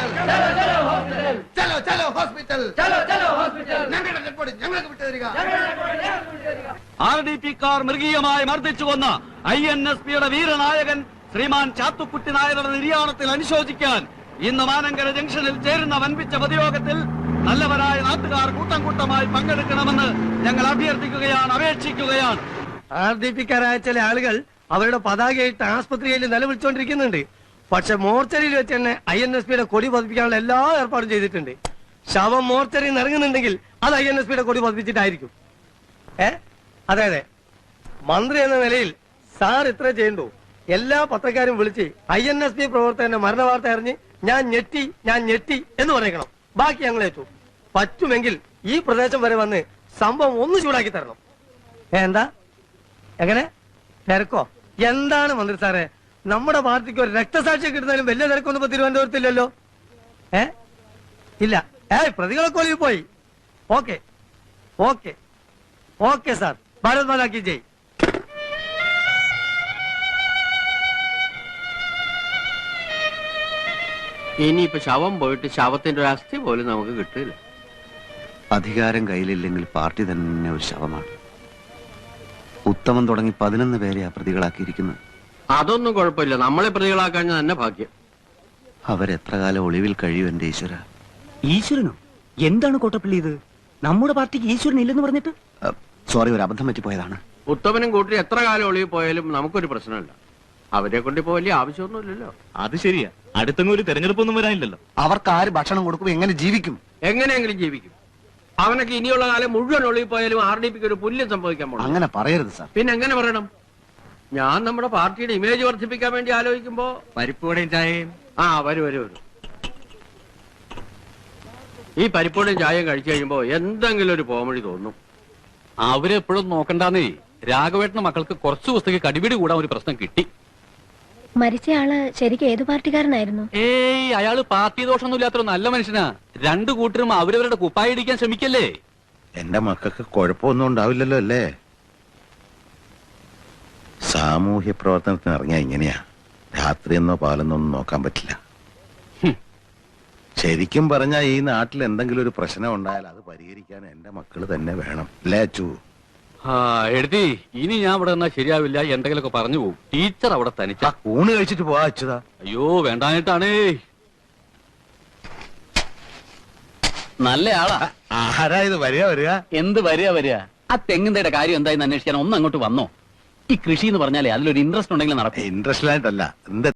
RDP-ക്കാർ മൃഗീയമായി മർദ്ദിച്ചു കൊന്ന INSPയുടെ വീരനായകൻ ശ്രീമാൻ ചാത്തുക്കുട്ടി നായരുടെ നിര്യാണത്തിൽ അനുശോചിക്കാൻ ഇന്ന് മാനങ്കര ജംഗ്ഷനിൽ ചേരുന്ന വൻപിച്ച പൊതുയോഗത്തിൽ നല്ലവരായ നാട്ടുകാർ കൂട്ടം കൂട്ടമായി പങ്കെടുക്കണമെന്ന് ഞങ്ങൾ അഭ്യർത്ഥിക്കുകയാണ്, അപേക്ഷിക്കുകയാണ്. RDP-ക്കാരായ ചില ആളുകൾ അവരുടെ പതാകയായിട്ട് ആസ്പത്രിയിൽ നിലവിളിച്ചുകൊണ്ടിരിക്കുന്നുണ്ട്. പക്ഷെ മോർച്ചറിയിൽ വെച്ച് തന്നെ INSPയുടെ കൊടി പതിപ്പിക്കാനുള്ള എല്ലാ ഏർപ്പാടും ചെയ്തിട്ടുണ്ട്. ശവം മോർച്ചറിയിൽ നിന്ന് ഇറങ്ങുന്നുണ്ടെങ്കിൽ അത് INSPയുടെ കൊടി പതിപ്പിച്ചിട്ടായിരിക്കും. അതെ, മന്ത്രി എന്ന നിലയിൽ സാർ ഇത്ര ചെയ്യണ്ടോ? എല്ലാ പത്രക്കാരും വിളിച്ച് INSP പ്രവർത്തകന്റെ മരണ വാർത്ത അറിഞ്ഞ് ഞാൻ ഞെട്ടി എന്ന് പറയണം. ബാക്കി ഞങ്ങൾ ഏറ്റു. പറ്റുമെങ്കിൽ ഈ പ്രദേശം വരെ വന്ന് സംഭവം ഒന്ന് ചൂടാക്കി തരണം. എന്താ എങ്ങനെ തിരക്കോ? എന്താണ് മന്ത്രി സാറേ, നമ്മുടെ പാർട്ടിക്ക് ഒരു രക്തസാക്ഷി കിട്ടുന്നതിലും വലിയ തിരക്കൊന്നും ഇപ്പൊ തിരുവനന്തപുരത്തില്ലല്ലോ. ഇല്ല. പ്രതികളൊക്കെ ഒളിവിൽ പോയി. Okay sir. ഭാരത് മാതാ കി ജയ്. ഇനിയിപ്പോ ശവം പോയിട്ട് ശവത്തിന്റെ ഒരു അസ്ഥി പോലും നമുക്ക് കിട്ടില്ല. അധികാരം കയ്യിലില്ലെങ്കിൽ പാർട്ടി തന്നെ ഒരു ശവമാണ്. ഉത്തമൻ തുടങ്ങി 11 പേരെ പ്രതികളാക്കിയിരിക്കുന്നത്. അതൊന്നും കുഴപ്പമില്ല, നമ്മളെ പ്രതികളാക്കാൻ തന്നെ ഭാഗ്യം. അവരെത്ര കാലം ഒളിവിൽ കഴിയും എന്റെ ഈശ്വര. ഈശ്വരനോ? എന്താണ് കോട്ടപ്പള്ളി ഇത്? നമ്മുടെ പാർട്ടിക്ക് ഈശ്വരൻ ഇല്ലെന്ന് പറഞ്ഞിട്ട്? സോറി, ഒരു അബദ്ധം പറ്റിപ്പോയതാണ്. ഉത്തമനും കൂട്ടി എത്ര കാലം ഒളിവിൽ പോയാലും നമുക്കൊരു പ്രശ്നമില്ല. അവരെ കൊണ്ട് ഇപ്പോ വലിയ ആവശ്യമൊന്നുമില്ലല്ലോ. അത് ശരിയാ. അടുത്തൊന്നും ഒരു തെരഞ്ഞെടുപ്പൊന്നും വരാനില്ലല്ലോ. അവർക്ക് ആര് ഭക്ഷണം കൊടുക്കും? എങ്ങനെ ജീവിക്കും? എങ്ങനെയെങ്കിലും ജീവിക്കും. അവനൊക്കെ ഇനിയുള്ള കാലം മുഴുവൻ ഒളിവിൽ പോയാലും RDP-ക്ക് ഒരു പുല്യം സംഭവിക്കാൻ പോകും. അങ്ങനെ പറയരുത് സാർ. പിന്നെ എങ്ങനെ പറയണം? ഞാൻ നമ്മുടെ പാർട്ടിയുടെ ഇമേജ് വർദ്ധിപ്പിക്കാൻ വേണ്ടി ആലോചിക്കുമ്പോ പരിപ്പൂടെയും ചായയും. വരും. ഈ പരിപ്പൂടെയും ചായയും കഴിച്ചു കഴിയുമ്പോ എന്തെങ്കിലും ഒരു പോമഴി തോന്നും. അവരെപ്പോഴും നോക്കണ്ടെന്നേ. രാഘവേട്ടന്റെ മക്കൾക്ക് കുറച്ചു ദിവസത്തേക്ക് കടിപിടി കൂടാൻ ഒരു പ്രശ്നം കിട്ടി. മരിച്ചയാള് ശരിക്കും ഏത് പാർട്ടിക്കാരനായിരുന്നു? അയാള് പാർട്ടി ദോഷമൊന്നും ഇല്ലാത്തൊരു നല്ല മനുഷ്യനാ. രണ്ടു കൂട്ടരും അവരവരുടെ കുപ്പായി ഇടിക്കാൻ ശ്രമിക്കല്ലേ. എന്റെ മക്കൾക്ക് കുഴപ്പമൊന്നും ഉണ്ടാവില്ലല്ലോ അല്ലേ? സാമൂഹ്യ പ്രവർത്തനത്തിന് ഇറങ്ങിയ ഇങ്ങനെയാ. രാത്രിയെന്നോ പാലെന്നോ ഒന്നും നോക്കാൻ പറ്റില്ല. ശരിക്കും പറഞ്ഞാൽ ഈ നാട്ടിൽ എന്തെങ്കിലും ഒരു പ്രശ്നം ഉണ്ടായാൽ അത് പരിഹരിക്കാൻ എന്റെ മക്കള് തന്നെ വേണം. അല്ലേ അച്ചു? എഴുതി ഇനി ഞാൻ ഇവിടെ നിന്നാ ശരിയാവില്ല. എന്തെങ്കിലുമൊക്കെ പറഞ്ഞു പോകും. ടീച്ചർ അവിടെ തനിച്ച ഊണ് കഴിച്ചിട്ട് പോവാ അച്ചുതാ. അയ്യോ വേണ്ടായിട്ടാണേ. നല്ല ആളാ. ആരാ ഇത്? വരിക. എന്ത് വരിക? ആ തെങ്ങിന്റെ കാര്യം എന്തായെന്ന് അന്വേഷിക്കാൻ ഒന്ന് അങ്ങോട്ട് വന്നോ? ഈ കൃഷി എന്ന് പറഞ്ഞാലേ അതിലൊരു ഇൻട്രസ്റ്റ് ഉണ്ടെങ്കിൽ നടക്കും. ഇൻട്രസ്റ്റ് ആയിട്ടല്ല, എന്ത്